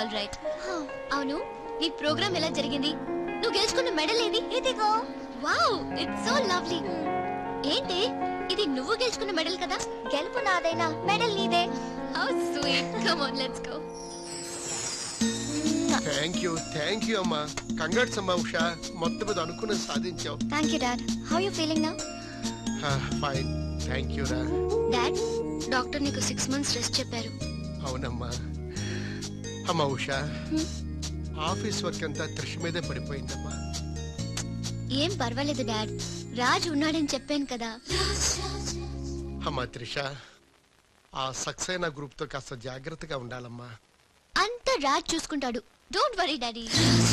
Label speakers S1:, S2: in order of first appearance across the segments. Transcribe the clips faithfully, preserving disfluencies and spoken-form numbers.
S1: All right. అవును, నీ programme ఎలా జరిగింది? నువ్వు గెలుచుకున్న మెడల్ ఏది? ఇదిగో. Wow, it's so lovely. ఏంటి ఇది? నువ్వు గెలుచుకున్న మెడల్ కదా? గెలుపు నాదైనా మెడల్ నీదే. How sweet. Come on, let's go.
S2: Thank you thank you అమ్మా. కంగ్రాట్స్ అమ్మా ఉషా, మొత్తం మీద అనుకున్న సాధించావు.
S1: Thank you dad. How you feeling now?
S2: Fine, thank you రా.
S1: డాడ్, డాక్టర్ నీకు సిక్స్ మంత్స్ రెస్ట్ చెప్పారు.
S2: అవునమ్మా. అమ్మా ఉషా, ఆఫీస్ వర్క్ అంతా త్రిష్ మీదే పడిపోయిందమ్మా.
S1: ఏం పర్వాలేదు డాడ్, రాజ్ ఉన్నాడని చెప్పాను కదా.
S2: అమ్మా త్రిష, ఆ సక్సేనా గ్రూప్ తో కాస్త జాగ్రత్తగా ఉండాలమ్మా.
S1: అంత రాజ్ చూసుకుంటాడు, don't worry daddy.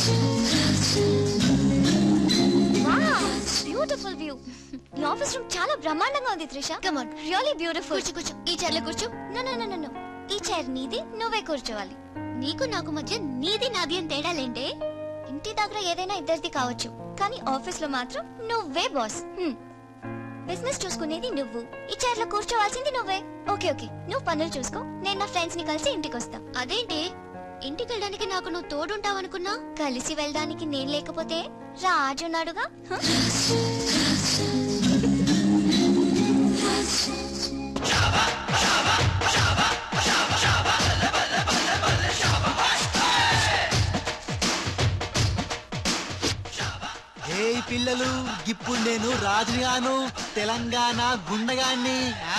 S1: Beautiful view. ఈ ఆఫీస్ రూమ్ చాలా బ్రహ్మాండంగా ఉంది Trisha. Come on, really beautiful. కూర్చో కూర్చో, ఈ చైర్ లో కూర్చో. నో నో నో నో, ఈ చైర్ నీది, నువ్వే కూర్చోవాలి. నీకు నాకు మధ్య నీది నాది అని తేడాలేంటే? ఇంటి దగ్గర ఏదైనా ఇద్దరిది కావచ్చు, కానీ ఆఫీస్ లో మాత్రం నువ్వే బాస్. బిజినెస్ చూసుకునేది నువ్వు, ఈ చైర్ లో కూర్చోవాల్సింది నువ్వే. ఓకే ఓకే, నువ్వు పనులు చూసుకో, నేను నా ఫ్రెండ్స్ ని కలిసి ఇంటికి వస్తా. అదేంటి, ఇంటికి వెళ్ళడానికి నాకు నువ్వు తోడుంటావు అనుకున్నా? కలిసి వెళ్ళడానికి నేను లేకపోతే రాజు ఉన్నాడుగా.
S3: ఏ పిల్లలు, ఇప్పుడు నేను రాజుగాను, తెలంగాణ గుండగాన్ని.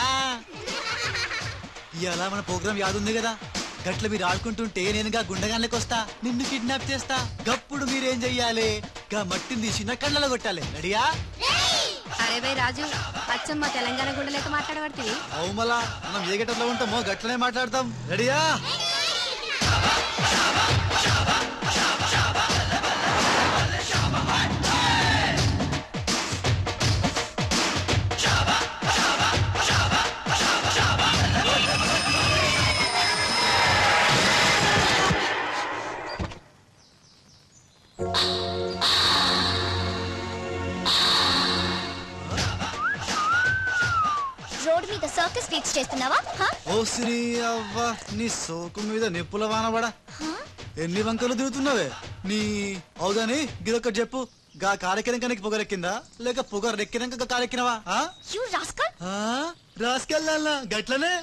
S3: ఇలా మన ప్రోగ్రాం యాదుంది కదా, గట్ల మీరు ఆడుకుంటుంటే నేనుగా గుండగాన్లకి వస్తా, నిన్ను కిడ్నాప్ చేస్తా. గప్పుడు మీరేం చెయ్యాలి? గా మట్టిని తీసి నా కళ్ళలో కొట్టాలి. రెడీయా?
S4: అరే బై రాజు, అచ్చమ్మ తెలంగాణ గుండెలతో మాట్లాడబడుతుంది.
S3: అవు మళ్ళా మనం ఏ గట్టలో ఉంటామో గట్లనే మాట్లాడతాం. రెడీయా?
S1: రోడ్ మీద సర్కస్ ఫీట్స్ చేస్తున్నావా?
S3: ఓ శ్రీ అవ్వ, నీ సోకు మీద నిప్పుల వానబడా. ఎన్ని వంకలు దిగుతున్నావే నీ. అవుగాని గిదొక్కటి చెప్పు, గా కారెక్కినాక నీకు పొగరెక్కిందా, లేక పొగరెక్కినాక కారెక్కినవా? రాసుకెళ్ళా గట్లనే.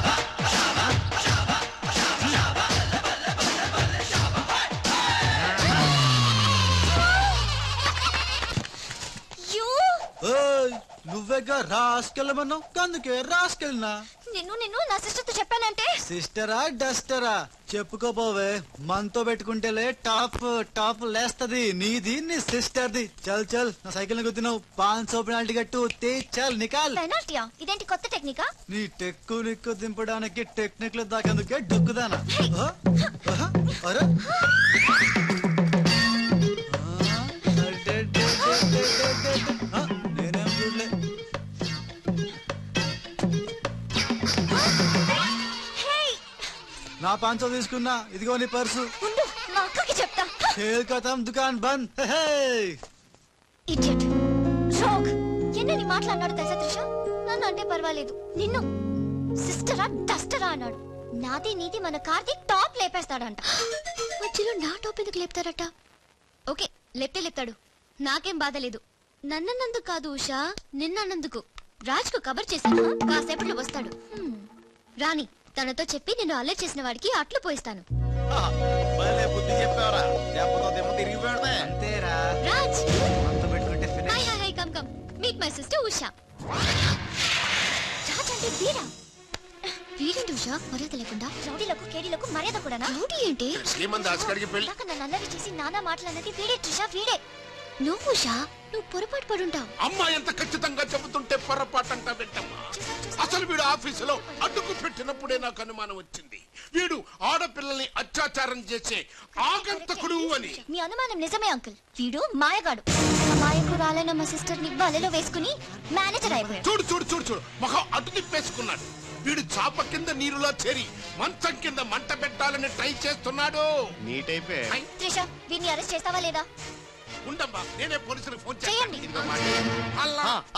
S3: నువ్వేగా రాసుకెళ్ళమన్నావు, అందుకే రాసుకెళ్ళినా.
S1: నిన్ను నిన్ను నా సిస్టర్ తో చెప్పానంటే.
S3: సిస్టరా డస్టరా చెప్పుకోపోవే, మనతో పెట్టుకుంటేలే టాప్ టాప్ లేస్తది నీది, నీ సిస్టర్ది. చల్ చల్, నా సైకిల్ గుద్దినావు, పాన్ సో పెనాల్టీ కట్టు, తే చల్ నికాల్.
S1: పెనాల్టీయా? ఇదేంటి కొత్త టెక్నికా?
S3: నీ టెక్కు నిక్కు దింపడానికి టెక్నిక్ లో దాకేందుకే డొక్కుదానా. అరే నేనేం చూడలే. నా పాంచో తీసుకున్నా, ఇదిగో నీ పర్సు.
S1: మా అక్కకి చెప్తా.
S3: ఖేల్ ఖతం, దుకాన్ బంద్.
S1: Idiot, rogue. ఎన్నని మాట్లాడినాడు తెలుసా త్రిష? నన్ను అంటే పర్వాలేదు, నిన్ను సిస్టరా డస్టరా అన్నాడు. నాది నీది మన కార్తీక్ టాప్ లేపేస్తాడంట. మధ్యలో నా టాప్ ఎందుకు లేపుతాడట? ఓకే, లేపితే లేపుతాడు, నాకేం బాధ లేదు. నన్నన్నందుకు కాదు ఉషా, నిన్నన్నందుకు. రాజ్ కు కబర్ చేశాను, కాసేపట్లో వస్తాడు. రాణి, తనతో చెప్పి నేను అల్లరి చేసిన వాడికి అట్లు పోయిస్తాను. Raj, hi hi hi, come come, meet my sister Usha. Raj అంటే వీరా. వీరేంటి ఉషా మర్యాద లేకుండా? రౌడీలకు కేడీలకు మర్యాద కూడా. రౌడీ ఏంటి? నన్ను అల్లరి చేసి నానా మాట్లాడినది వీడే ట్రిషా, వీడే. నువ్వు ఉషా, నువ్వు పొరపాటు పడుంటావు.
S2: అమ్మా ఎంత ఖచ్చితంగా చెబుతుంటే పొరపాటు అంటా పెట్టమ్మా. అసలు వీడు ఆఫీసులో అడ్డుకు పెట్టినప్పుడే నాకు అనుమానం వచ్చింది, వీడు ఆడపిల్లల్ని అత్యాచారం చేసే ఆగంతకుడు అని.
S1: మీ అనుమానం నిజమే అంకుల్, వీడు మాయగాడు. మాయకురాలైన మా సిస్టర్ ని బలలో వేసుకుని మేనేజర్ అయిపోయాడు.
S2: చూడు చూడు చూడు చూడు, మొహం అటు తిప్పేసుకున్నాడు. వీడు చాప కింద నీరులో చేరి మంచం కింద మంట పెట్టాలని ట్రై చేస్తున్నాడు.
S1: త్రిష, వీడిని అరెస్ట్ చేస్తావా లేదా?
S2: ఉండమ్మా, నేనే పోలీసులకు ఫోన్
S1: చేయండి.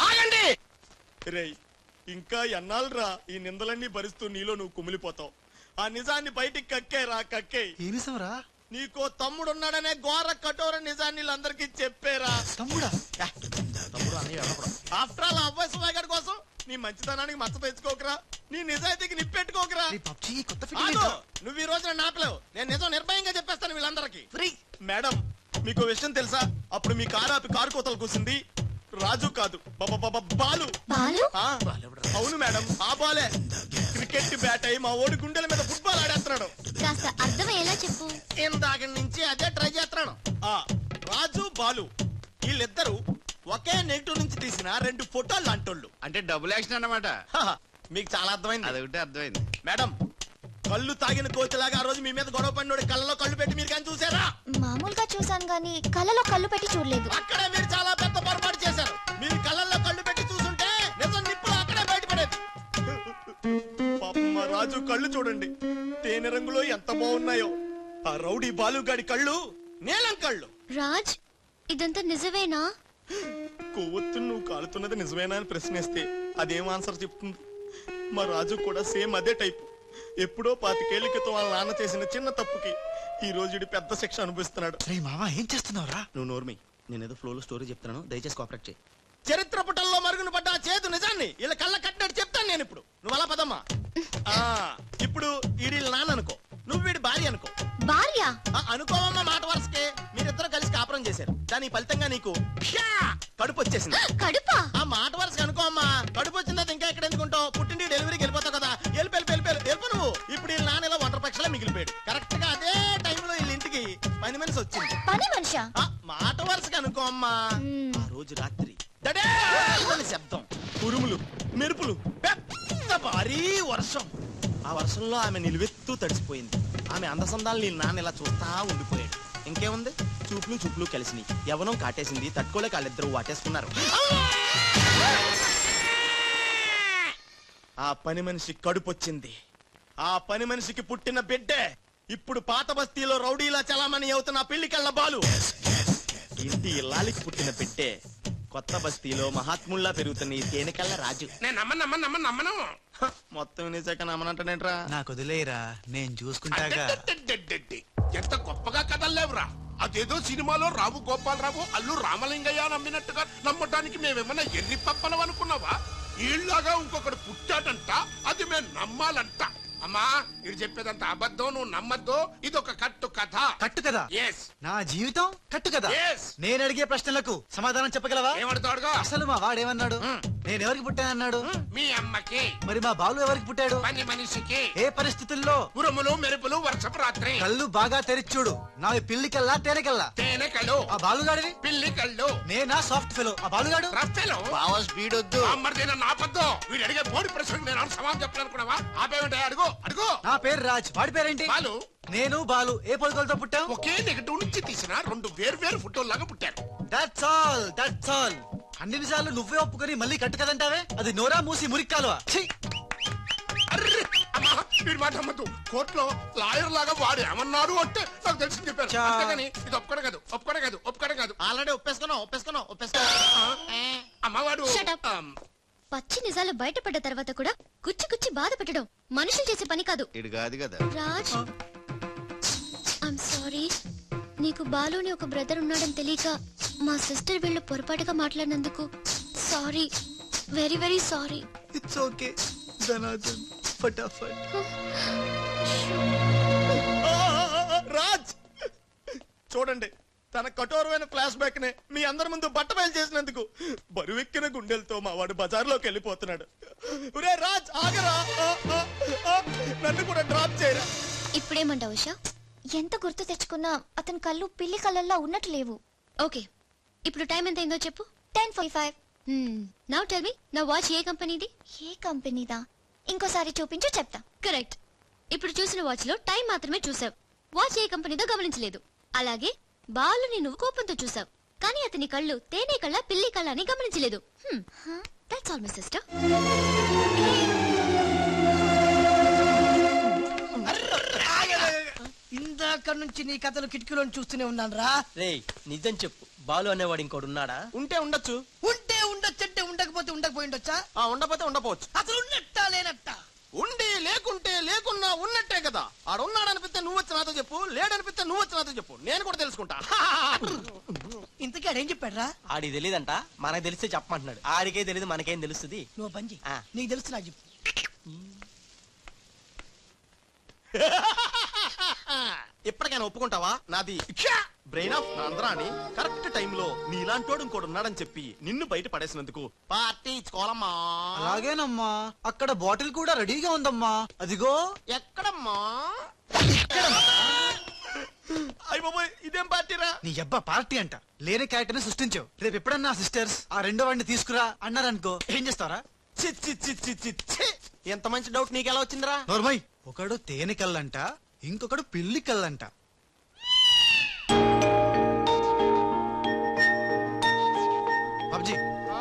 S5: రేయ్, ఇంకా ఎన్నాళ్ళరా ఈ నిందలన్నీ భరిస్తూ నీలో నువ్వు కుమిలిపోతావు? ఆ నిజాన్ని బయటికి కక్కేరా కక్కే.
S3: ఏ నిజంరా?
S5: నీకో తమ్ముడున్నాడనే ఘోర కఠోర నిజాన్ని వీళ్ళందరికీ చెప్పేరా.
S3: తమ్ముడా?
S5: తమ్ముడు అన్నయ్య ఆఫ్టర్ ఆల్ అబ్బాయి సుమాయ్ గారి కోసం నీ మంచితనానికి మచ్చ తెచ్చుకోకరా, నీ నిజాయితీకి నిప్పెట్టుకోకరా. నువ్వు ఈ రోజున నాపలేవు, నేను నిజం నిర్భయంగా చెప్పేస్తాను వీళ్ళందరికీ. మేడం మీకు విషయం తెలుసా? అప్పుడు మీ కారు ఆపి కారు కోతలు కూసింది రాజు కాదు, బాలు. అవును మేడం, ఆ బాలే క్రికెట్ బ్యాట్ అయి మా ఓడి గుండెల మీద ఫుట్బాల్ ఆడేస్తున్నాడు.
S1: కాస్త అర్థమయ్యేలా చెప్పు.
S5: ఇందాక నుంచి అదే ట్రై చేస్తున్నాను. ఆ రాజు బాలు వీళ్ళిద్దరు ఒకే నెగిటివ్ నుంచి తీసిన రెండు ఫోటోలు లాంటోళ్ళు.
S6: అంటే డబుల్ యాక్షన్ అన్నమాట.
S5: మీకు చాలా అర్థమైంది.
S6: అదొకటి అర్థమైంది.
S5: మేడం కళ్ళు తాగిన కోతిలాగా ఆ రోజు మీ మీద గొడవ పడినోడి కళ్ళలో కళ్ళు పెట్టి మీరు కానీ చూసారా?
S1: మామూలుగా చూసాను గానీ కళ్ళలో కళ్ళు పెట్టి చూడలేదు.
S5: అక్కడే మీరు చాలా పెద్ద పొరపాటు చేశారు. మీరు కళ్ళల్లో కళ్ళు పెట్టి చూసుంటే నిజం నిప్పులు అక్కడే బయటపడేది. పాపం మా రాజు కళ్ళు చూడండి, తేనె రంగులో ఎంత బాగున్నాయో. ఆ రౌడీ బాలుగాడి కళ్ళు నీలం కళ్ళు.
S1: రాజ్, ఇదంతా నిజమేనా?
S5: కొవ్వొత్తు నువ్వు కాలుతున్నది నిజమేనా అని ప్రశ్నిస్తే అదేం ఆన్సర్ చెప్తుంది? మా రాజు కూడా సేమ్ అదే టైపు. ఎప్పుడో పాతికేళ్ల క్రితం వాళ్ళ నాన్న చేసిన చిన్న తప్పుకి ఈ రోజు పెద్ద శిక్ష అనుభవిస్తున్నాడు.
S3: ఏం చేస్తున్నావురా?
S5: నువ్వు నోర్మి, నేనేదో ఫ్లో లో స్టోరీ చెప్తున్నాను, దయచేసి కోఆపరేట్ చేయి. చరిత్ర పుటల్లో మరుగున పడ్డ ఆ చేతు నిజాన్ని ఇలా కళ్ళ కట్టినట్టు చెప్తాను నేను ఇప్పుడు. నువ్వు అలా పదమ్మా. ఇప్పుడు ఈడి నాన్న అనుకో, నువ్వు వీడి భార్య అనుకో.
S1: భార్య
S5: అనుకోవమ్మా, మాట వరుసకే మీరిద్దరు కలిసి కాపురం చేశారు. దాని ఫలితంగా నీకు కడుపు వచ్చేసింది.
S1: కడుపా?
S5: ఆ మాట వరుసకి అనుకో అమ్మా. కడుపు వచ్చిందా ఇంకా ఎక్కడ ఎందుకుంటావు? పుట్టింటి డెలివరీకి వెళ్ళిపోతావు కదా, వెళ్ళి వెళ్ళి వెళ్ళి వెళ్ళిపో నువ్వు. ఇప్పుడు వీళ్ళ నాన్న ఇలా ఒంటరి పక్షలా మిగిలిపోయాడు. కరెక్ట్ గా అదే టైంలో వీళ్ళ ఇంటికి పని మనిషి వచ్చింది.
S1: పని మనిషా?
S5: మాట వరుసకి అనుకో అమ్మా. ఆ రోజు రాత్రి శబ్దం, ఉరుములు, మెరుపులు, పెద్ద భారీ వర్షం. ఆ వర్షంలో ఆమె నిలువెత్తు తడిసిపోయింది. ఆమె అందసందాలు నీ నాన్న ఇలా చూస్తా ఉండిపోయాడు. ఇంకేముంది, చూపులు చూపులు కలిసినాయి. యవనం కాటేసింది, తట్టుకోలేక వాళ్ళిద్దరూ వాటేసుకున్నారు. ఆ పని మనిషి కడుపొచ్చింది. ఆ పని మనిషికి పుట్టిన బిడ్డే ఇప్పుడు పాత బస్తీలో రౌడీలా చలామణి అవుతున్న పెళ్లికెళ్ళ బాలు. ఇంటి ఇల్లాలికి పుట్టిన బిడ్డే కొత్త బస్తీలో మహాత్ముల్లా పెరుగుతున్న ఈ తేనెకళ్ళ రాజు.
S2: నేను నమ్మను నమ్మను నమ్మను నమ్మను
S5: మొత్తం వినేసాక నమ్మనంటానేట్రా?
S3: నాకు వదిలేరా, నేను చూసుకుంటాగా.
S2: ఎంత గొప్పగా కథల్లేవురా. అదేదో సినిమాలో రావు గోపాలరావు అల్లు రామలింగయ్య నమ్మినట్టుగా నమ్మటానికి మేమేమన్నా ఎర్రి పప్పలం అనుకున్నావా? ఈళ్ళగా ఇంకొకడు పుట్టాడంట, అది మేము నమ్మాలంట. అమ్మా, ఇది చెప్పేదంత అబద్ధం, నువ్వు నమ్మద్దు. ఇదొక కట్టు కథ.
S3: కట్టు కదా?
S2: ఎస్.
S3: నా జీవితం కట్టు కదా?
S2: ఎస్.
S3: నేను అడిగే ప్రశ్నలకు సమాధానం చెప్పగలవా?
S2: ఏమడతాడుగా?
S3: అసలు మా వాడేమన్నాడు? నేను ఎవరికి పుట్టానన్నాడు?
S2: మీ అమ్మకి.
S3: మరి మా బాలు ఎవరికి పుట్టాడు?
S2: పని మనిషికి.
S3: ఏ పరిస్థితుల్లో?
S2: ఉరుములు మెరుపులు వర్షపు రాత్రి.
S3: కళ్ళు బాగా తెరిచూడు. నా పిల్లి కల్లా తేనె కల్లా?
S2: తేనె కళ్ళు.
S3: ఆ బాలుగాడివి?
S2: పిల్లి కళ్ళు.
S3: నేనా సాఫ్ట్ ఫెలో, ఆ బాలుగాడు
S2: రఫ్ ఫెలో.
S5: బావ స్పీడ్ వద్దు.
S2: అమ్మర్దైనా నాపద్దు. వీడు అడిగే బోడి ప్రశ్నకు నేను సమాధానం చెప్పాలనుకున్నావా? ఆపేమంటే అడుగు అడుగు.
S3: నా పేరు రాజ్, వాడి పేరేంటి?
S2: బాలు.
S3: నేను బాలు ఏ పొలకలతో పుట్టాం?
S2: ఒకే నెగటివ్ నుంచి తీసిన రెండు వేరు వేరు ఫోటోల్లాగా పుట్టారు.
S3: That's all, that's all. అన్ని నిజాలు నువ్వే ఒప్పుకొని మళ్ళీ కట్టు కదంటావే? అది నోరా మూసి మురిక్కాలువా?
S2: అమ్మా, వీడి మాట నమ్మద్దు. కోర్టులో లాయర్ లాగా వాడు ఏమన్నారు అంటే నాకు తెలిసి చెప్పారు. అంతేగాని ఇది ఒప్పుకోవడం కాదు, ఒప్పుకోవడం కాదు, ఒప్పుకోవడం కాదు.
S5: ఆల్రెడీ ఒప్పేసుకున్నావు ఒప్పేసుకున్నావు ఒప్పేసుకున్నావు.
S2: అమ్మవాడు
S1: పచ్చి నిజాలు బయటపడ్డ తర్వాత కూడా గుచ్చి గుచ్చి బాధ పెట్టడం మనుషులు చేసే పని కాదు.
S6: ఇది కాదు కదా
S1: రాజ్, ఐమ్ సారీ. నీకు బాలుని ఒక బ్రదర్ ఉన్నాడని తెలియక మా సిస్టర్ వీళ్ళు పొరపాటుగా మాట్లాడినందుకు sorry, very very sorry.
S3: It's okay Dhanardhan, ఫటాఫట్.
S5: రాజ్ చూడండి, తన కఠోరమైన ఫ్లాష్ బ్యాక్ నే మీ అందరి ముందు బట్ట బయలు చేసినందుకు బరువెక్కిన గుండెలతో మా వాడు బజార్లోకి వెళ్ళిపోతున్నాడు. ఒరే రాజ్, ఆగరా, నన్ను కూడా డ్రాప్ చేయరా.
S1: ఇప్పుడేమంటావు ఉషా? ఎంత గుర్తు తెచ్చుకున్నా అతని కళ్ళు పిల్లి కళ్ళల్లో ఉన్నట్టు లేవు. ఓకే, ఇప్పుడు టైం ఎంత అయిందో చెప్పు. Ten forty five. Now tell me, నా వాచ్ ఏ కంపెనీది? ఏ కంపెనీదా? ఇంకోసారి చూపించు చెప్తా. కరెక్ట్. ఇప్పుడు చూసిన వాచ్ లో టైం మాత్రమే చూసావు, వాచ్ ఏ కంపెనీదో గమనించలేదు. అలాగే బాలుని నువ్వు కోపంతో చూసావు, కానీ అతని కళ్ళు తేనె కళ్ళ పిల్లి కళ్ళ అని గమనించలేదు. That's all my sister.
S7: ఇందాక నుంచి నీ కథలు కిటికీలో చూస్తూనే ఉన్నాను రా.
S8: రే నిజం చెప్పు, బాలు అనేవాడు ఇంకోడు ఉన్నాడా?
S5: ఉంటే ఉండొచ్చు.
S7: ఉంటే ఉండొచ్చు అంటే ఉండకపోతే ఉండకపోయి ఉండొచ్చా?
S5: ఉండకపోతే ఉండపోవచ్చు.
S7: అసలు ఉన్నట్టా లేనట్టా?
S5: ఉండి లేకుంటే లేకున్నా ఉన్నట్టే కదా. ఆడున్నాడనిపిస్తే నువ్వు వచ్చి నాతో చెప్పు, లేడనిపిస్తే నువ్వు వచ్చి నాతో చెప్పు, నేను కూడా తెలుసుకుంటా.
S7: ఇంతకీ ఆడేం చెప్పాడురా?
S8: ఆడికి తెలియదంట, మనకు తెలిస్తే చెప్పమంటున్నాడు. ఆడికే తెలియదు, మనకేం తెలుస్తుంది?
S7: నువ్వు పంచి
S8: ఆ.
S7: నీకు తెలుసు నాకు చెప్పు.
S5: ఎప్పటికైనా ఒప్పుకుంటావా? నాది బ్రెయిన్ ఆఫ్ ఆంధ్రా అని కరెక్ట్ టైంలో నీలాంటోడు ఇంకోటి ఉన్నాడని చెప్పి నిన్ను బయట పడేసినందుకు పార్టీ ఇచ్చుకోవాలమ్మా.
S3: అలాగేనమ్మా, అక్కడ బాటిల్ కూడా రెడీగా ఉందమ్మా. అదిగో.
S5: ఎక్కడమ్మా? అయ్య బాబోయ్, ఇదేం పార్టీరా?
S3: నీ అబ్బా పార్టీ అంట. లేని క్యారెక్టర్ సృష్టించావు. రేపు ఎప్పుడన్నా సిస్టర్స్ ఆ రెండో వాడిని తీసుకురా అన్నారనుకో, ఏం చేస్తారా?
S5: చి చి చి చి చి చి. ఎంత మంచి డౌట్ నీకు ఎలా వచ్చిందిరా?
S3: నోర్మై, ఒకడు తేనె కళ్ళంట, ఇంకొకడు పిల్లి కళ్ళంట. బాబ్జీ,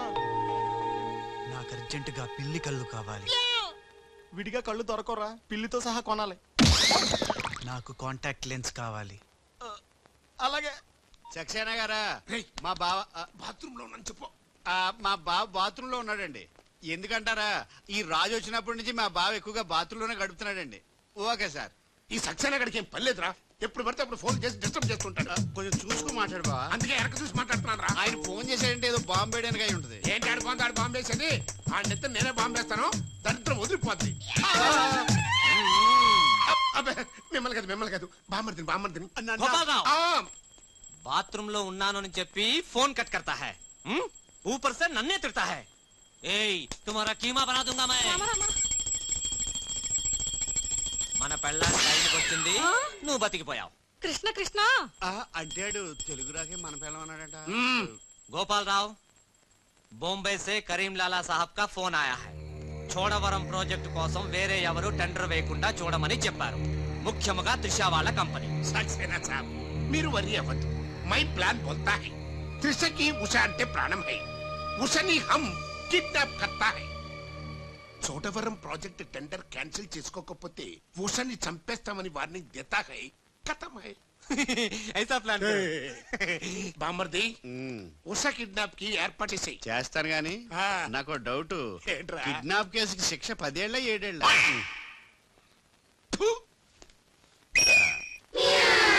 S3: నాకు అర్జెంటుగా పిల్లి కళ్ళు కావాలి.
S5: విడిగా కళ్ళు దొరకరా, పిల్లితో సహా కొనాలి.
S3: నాకు కాంటాక్ట్ లెన్స్ కావాలి.
S5: అలాగే.
S6: సక్సేనా గారా,
S2: రేయ్,
S6: మా బావ ఆ,
S2: బాత్రూమ్ లో ఉన్నాను చెప్పు.
S6: ఆ, మా బావ బాత్రూమ్ లో ఉన్నాడండి. ఎందుకంటారా, ఈ రాజు వచ్చినప్పటి నుంచి మా బావ ఎక్కువగా బాత్రూమ్ లోనే గడుపుతున్నాడండి. Okay sir.
S2: ఈ సక్సేనా గడికి ఏం పర్లేదురా, ఎప్పుడు పడితే అప్పుడు ఫోన్ చేసి డిస్టర్బ్ చేస్తుంటాడు.
S6: కొంచెం చూసుకుని మాట్లాడు బావ.
S2: అందుకే వెనక చూసి మాట్లాడుతున్నాను రా.
S6: ఆయన ఫోన్ చేశాడంటే ఏదో బాంబు వేయడానికి అయి ఉంటుంది.
S2: ఏంటి ఆడుకోండి, ఆడు బాంబు వేసేది. ఆ నెత్త నేనే బాంబు వేస్తాను, దరిద్రం వదిలిపోద్ది. అబ్బే, మిమ్మల్ని కాదు మిమ్మల్ని కాదు, బామ్మర్దిని బామ్మర్దిని.
S9: గోపాలరావు,
S2: ఆ,
S9: बाथरूम लो ఉన్నాను అని చెప్పి फोन कट करता है, हम्म? ऊपर से नन्हे तिरता है. ए, तुम्हारा कीमा बना दूंगा मैं. మన పెళ్ళాన్ని టైంకి వచ్చింది, నువ్వు బతికిపోయావు.
S4: కృష్ణ కృష్ణ
S6: ఆ, అంటాడు తెలుగు రాకే మన పిల్లలు అన్నాడట.
S2: మ్మ్.
S9: गोपाल राव, बॉम्बे से करीम लाला साहब का फोन आया है. చోడవరం ప్రాజెక్ట్ కోసం వేరే ఎవరు టెండర్ వేయకుండా చూడమని చెప్పారు. ముఖ్యముగా త్రిషా వాళ్ళ కంపెనీ.
S2: సక్సేనా సాబ్, మీరు వరి అవ్వద్దు. మై ప్లాన్ బోల్తా హై, త్రిషకి ఉష అంటే ప్రాణం హై. ఉషని హమ్ కిడ్నాప్ కర్తా హై. చోడవరం ప్రాజెక్ట్ టెండర్ క్యాన్సిల్ చేసుకోకపోతే ఉషని చంపేస్తామని వార్నింగ్ దేతా హై. ఖతం హై.
S9: ऐसा प्लान
S2: బామర్ది,
S6: మ్మ్.
S2: ఉష కిడ్నాప్ కి ఏర్పాటు చేసేయి.
S6: చేస్తాను గాని
S2: ఆ.
S6: నాకు డౌట్.
S2: ఏంట్రా?
S6: కిడ్నాప్ కేసుకి శిక్ష పదేళ్ళ ఏడేళ్ళ?
S2: ఫు!